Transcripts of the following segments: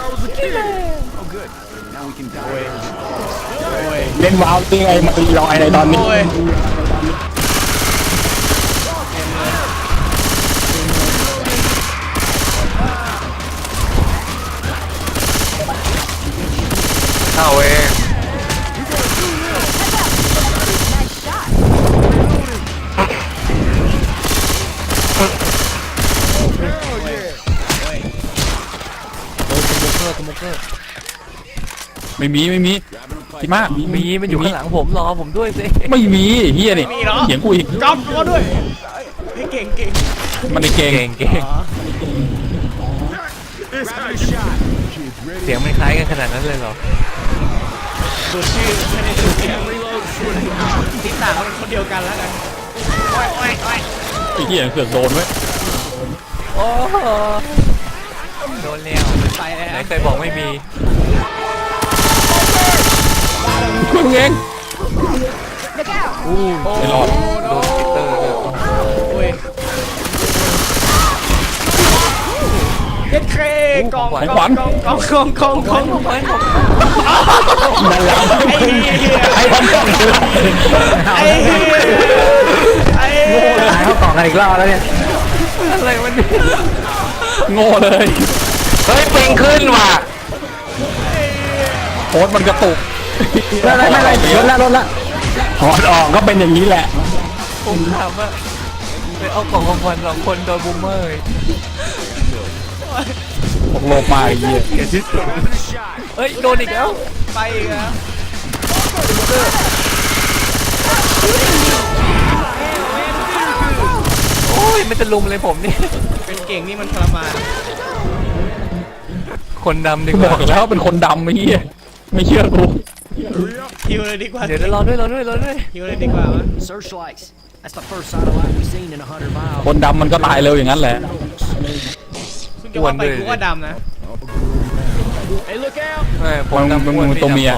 เล่นวาวยังไงมาตีลอยในตอนนี้เข้าเองไม่มีพี่มากมีมันอยู่ข้างหลังผมรอผมด้วยสิไม่มีเฮียนี่เถียงกูอีกก๊อฟก็ด้วยให้เก่งมันเก่งเสียงมันคล้ายกันขนาดนั้นเลยเหรอดูชื่อไม่ได้ดูเสียงติดตาเขาเป็นคนเดียวกันแล้วกันโอ้ยไอ้เฮียเสือกโดนไว้โอ้โดนแล้วไปแล้วไหนเคยบอกไม่มีมึงเองไม่รอดโดนฟิตเตอร์เลยโอ้ยเย็ดเคกองนั่นแหละไอ้คนกล่องไอ้เข้ากล่องกันอีกรอบแล้วเนี่ยอะไรมันโง่เลยเฮ้ยปิงขึ้นว่ะโคตรมันกระตุกไม่ลดละถอดออกก็เป็นอย่างนี้แหละผมถามว่าไปเอากล่องของคน2 คนโดนบูมเมอร์ตกโลกมาไอ้เหี้ยเฮ้ยโดนอีกแล้วไปอีกแล้วโอ้ยมันจะลุมเลยผมนี่เป็นเก่งนี่มันทรมานคนดำดีกบว่าอกแล้วเป็นคนดำไอ้เหี้ยไม่เชื่อกูฮิวเลยดีกว่าเดี๋ยวรอด้วยฮิวเลยดีกว่าวะคนดำมันก็ตายเร็วอย่างนั้นแหละคุณจะว่าไปกูก็ดำนะผมดำมึงตัวเมีย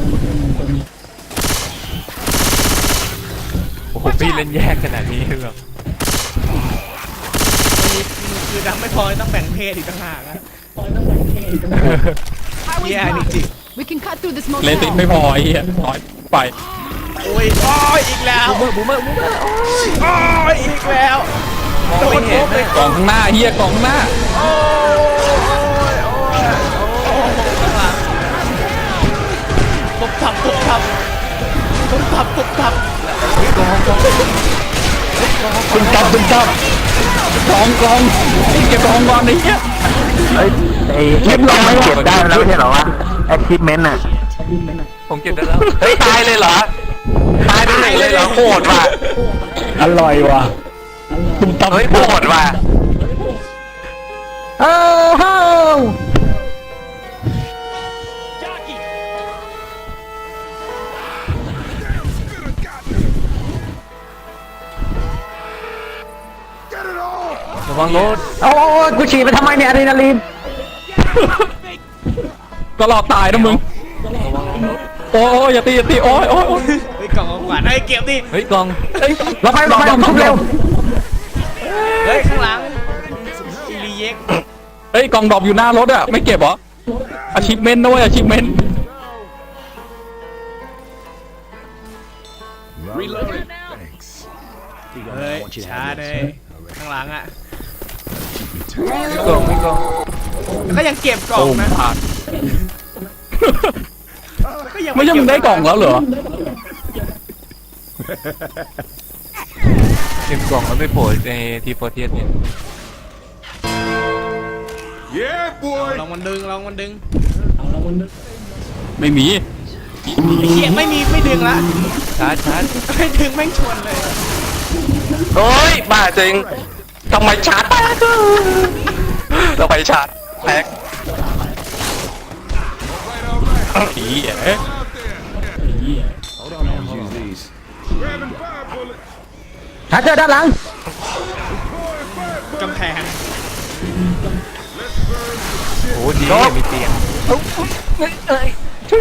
โอ้โหพี่เล่นแยกขนาดนี้เหรอคือดำไม่พอต้องแบ่งเพศอีกต่างหากนะแย่จริงเลติไม่พอไอ้เหี้ยน้อยไปโอ้ยอีกแล้วบูมเมอร์โอ้ยอีกแล้วโดนเห็นกล่องข้างหน้าเฮียกล่องข้างหน้าปุ๊บทับกองเก็บกองก่อนไอ้เหี้ยเก็บได้ไม่เก็บได้แล้วไม่ใช่เหรอวะ achievement น่ะผมเก็บได้แล้วเฮ้ยตายเลยเหรอตายได้เลยเหรอโหดว่ะอร่อยว่ะเฮ้ยโหดว่ะระวังรถโอ้กูฉี่ไปทำไมเนี่ยอะดรีนาลีนก็รอตายนะมึงโอ้ยอย่าตีโอ้ยเฮ้ยกล่องของขวัญเฮ้ยเก็บดิเฮ้ยกล่องเราไปทุบเร็วเฮ้ยข้างหลังอีลีเย็กเฮ้ยกล่องดรอปอยู่หน้ารถอะไม่เก็บเหรอachievementด้วยachievement เฮ้ยช้าเลยข้างหลังอ่ะกล่องก็ยังเก็บกล่องนะไม่ยังได้กล่องแล้วเหรอเก็บกล่องแล้วไม่โผล่ในทีโฟเทียสเนี่ยลองมันดึงไม่มีเขียไม่ดึงละชาร์จไม่ดึงแม่งชวนเลยโอ้ยบ้าจริงทำไมชาร์จเราไปชาร์จแพ็กผีหาเจอด้านหลังกำแพงโอ้ดีมีเตียงช่วย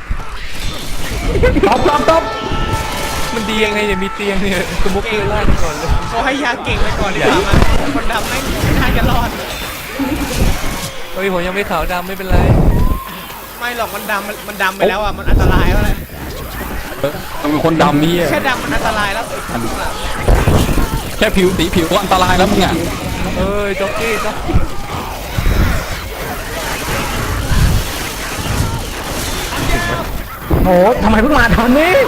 ตบมันดียังไงเนี่ยมีเตียงเนี่ยสมุกเลยล่าก่อนเลยเขาให้ยาเก่งไปก่อนดีกว่ามันคนดำไม่น่าจะรอดฮ้ยผมยังไม่ขาวดำไม่เป็นไรไม่หรอกมันดำไปแล้วอ่ะมันอันตรายแล้วแหละมันเป็นคนดำนี่แค่ดำมันอันตรายแล้วแค่ผิวสีผิวก็อันตรายแล้วมึงอ่ะเอ้ยจ็อกกี้จ็อกกี้โอ้ทำไมเพิ่งมาตอนนี้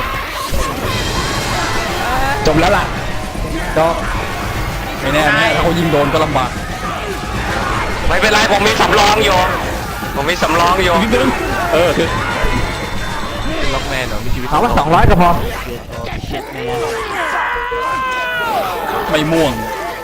จบแล้วล่ะจบไม่แน่ถ้าเขายิงโดนก็ลำบากไม่เป็นไรผมมีสำรองอยู่ผมมีสำรองอยู่นิดนึงคือล็อกแมนเหรอมีชีวิตเอาว่า200ก็พอไม่ม่วง